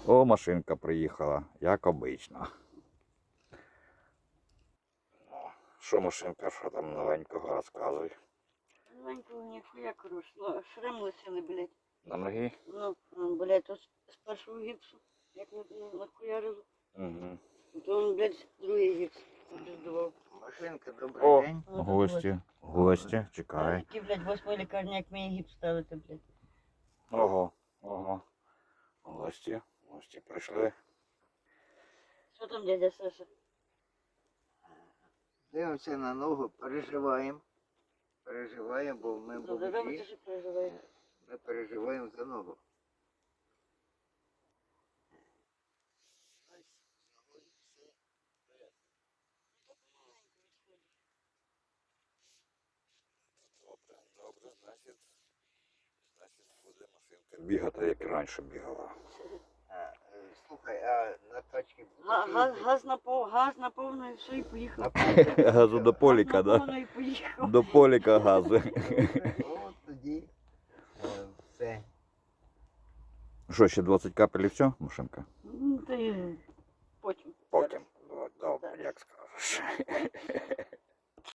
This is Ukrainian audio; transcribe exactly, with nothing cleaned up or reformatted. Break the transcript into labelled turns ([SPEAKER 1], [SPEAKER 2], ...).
[SPEAKER 1] О, машинка приїхала, як обично. Що машинка, що там новенького розказуй?
[SPEAKER 2] Новенького ніхуя, коротше. Ну, шрам лишили, блядь.
[SPEAKER 1] На ноги?
[SPEAKER 2] Ну, ну, блядь, то з першого гіпсу, як на, на, нахуярило.
[SPEAKER 1] Угу.
[SPEAKER 2] То він, блядь, другий гіпс піздував.
[SPEAKER 3] Машинка, добрий
[SPEAKER 1] О,
[SPEAKER 3] день.
[SPEAKER 1] гості, гості, чекай.
[SPEAKER 2] Які, блядь, восьмої лікарні, як мені гіпс ставити, блядь.
[SPEAKER 1] Ого, ого. Гості, гості прийшли.
[SPEAKER 2] Що там, дядя Саша?
[SPEAKER 3] Дивимося на ногу, переживаємо. Переживаємо, бо ми
[SPEAKER 2] Добре, робите,
[SPEAKER 3] молоді.
[SPEAKER 2] що переживаєте.
[SPEAKER 3] Ми переживаємо за ногу.
[SPEAKER 1] Добре, добре, значить, значить буде машинка бігати, як і раніше бігала.
[SPEAKER 3] А, е, слухай, а на тачці
[SPEAKER 2] Га- Газ, газ на пов, газ на повну і все, і поїхав.
[SPEAKER 1] Газу до поліка,
[SPEAKER 2] Газ на
[SPEAKER 1] да?
[SPEAKER 2] повну і поїхав.
[SPEAKER 1] До поліка газу.
[SPEAKER 3] От тоді е, все.
[SPEAKER 1] Що, ще двадцять капель і все, машинка?
[SPEAKER 2] Ну, ти потім.
[SPEAKER 1] Потім. Добре, як скажеш.